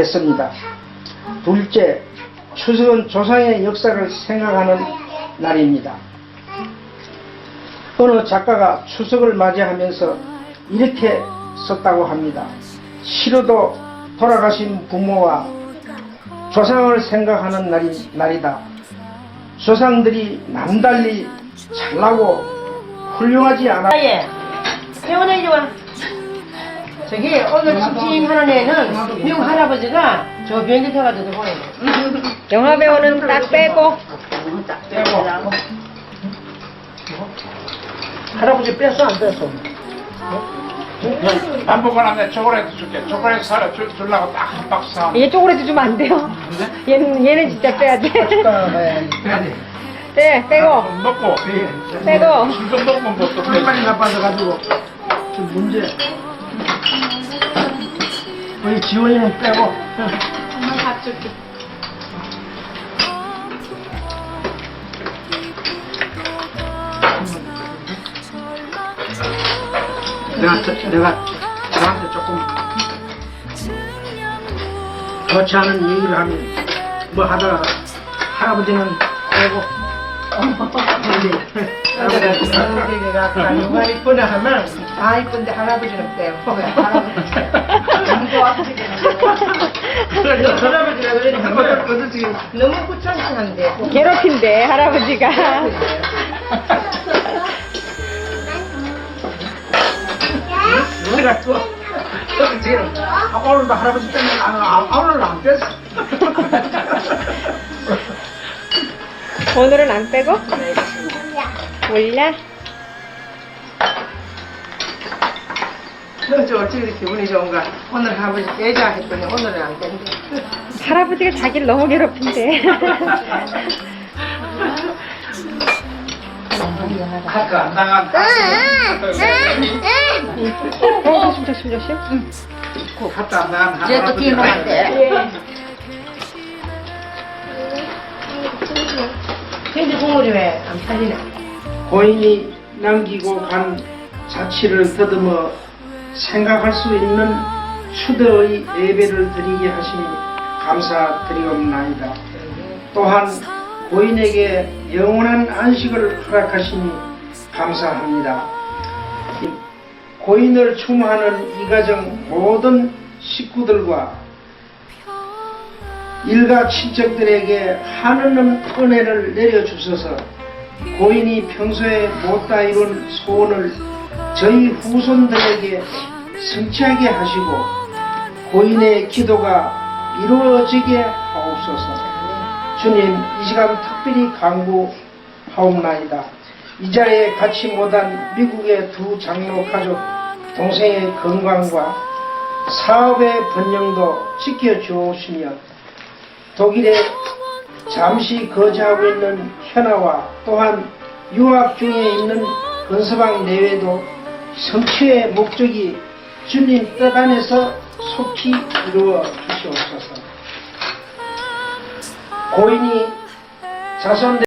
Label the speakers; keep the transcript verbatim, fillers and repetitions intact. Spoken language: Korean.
Speaker 1: 했습니다. 둘째, 추석은 조상의 역사를 생각하는 날입니다. 어느 작가가 추석을 맞이하면서 이렇게 썼다고 합니다. 시로도 돌아가신 부모와 조상을 생각하는 날이, 날이다. 조상들이 남달리 잘나고 훌륭하지 않아.
Speaker 2: 예. 태원아 이리 와. 저기 오늘 집주인하는 애는 미국 할아버지가 저 비행기 타가지고 보내.
Speaker 3: 영화 배우는 딱 빼고.
Speaker 1: 빼고. 할아버지 뺐어 안 뺐어?
Speaker 4: 밥 먹고 나면 초콜릿 줄게. 초콜릿 사러 줄, 주려고 딱 한 박스 사.
Speaker 3: 얘 쪼그레도 주면 안 돼요. 얘는 얘는 진짜 빼야 돼.
Speaker 1: 빼야 돼.
Speaker 3: 네, 빼고.
Speaker 4: 먹고.
Speaker 3: 빼고.
Speaker 4: 술도 먹고 뭐또
Speaker 1: 혈관이 나빠져가지고 좀 문제. 우리 지원이는 빼고.
Speaker 3: 엄마 밥 줄게.
Speaker 1: 내가 저- 내가 저한테 조금 좋지 않은 얘기를 하면 뭐 하다가 할아버지는 빼고.
Speaker 2: 할아버지가 누가 이쁘나 하면 다 이쁜데 할아버지는 빼고. 할아버지가 그러니 하면 너무 구천천한데.
Speaker 3: 괴롭힌대 할아버지가.
Speaker 1: 내가 또 지금 아, 오늘도 할아버지 때문에 안, 아, 오늘은 안 뺐어.
Speaker 3: 오늘은 안 빼고? 몰라?
Speaker 2: 저 어찌 기분이 좋은가. 오늘 할아버지 빼자 했더니 오늘은 안 뺀대.
Speaker 3: 할아버지가 자기를 너무 괴롭힌대.
Speaker 4: 카트 안 당한.
Speaker 3: 어, 조심 조심 조심.
Speaker 4: 카트 안 당한.
Speaker 2: 쟤또 뒤에 먹으면 돼. 근데 국물이 왜 안 팔리나?
Speaker 1: 고인이 남기고 간 자취를 더듬어 생각할 수 있는 추대의 예배를 드리게 하시니 감사드리옵나이다. 또한 고인에게 영원한 안식을 허락하시니 감사합니다. 고인을 추모하는 이 가정 모든 식구들과 일가 친척들에게 한없는 은혜를 내려주셔서 고인이 평소에 못다 이룬 소원을 저희 후손들에게 성취하게 하시고 고인의 기도가 이루어지게 하옵소서. 주님, 이 시간 특별히 간구하옵나이다. 이 자리에 같이 못한 미국의 두 장로 가족 동생의 건강과 사업의 번영도 지켜주시며 독일에 잠시 거주하고 있는 현아와 또한 유학 중에 있는 건서방 내외도 성취의 목적이 주님 뜻 안에서 속히 이루어 주시옵소서. 고인이 자손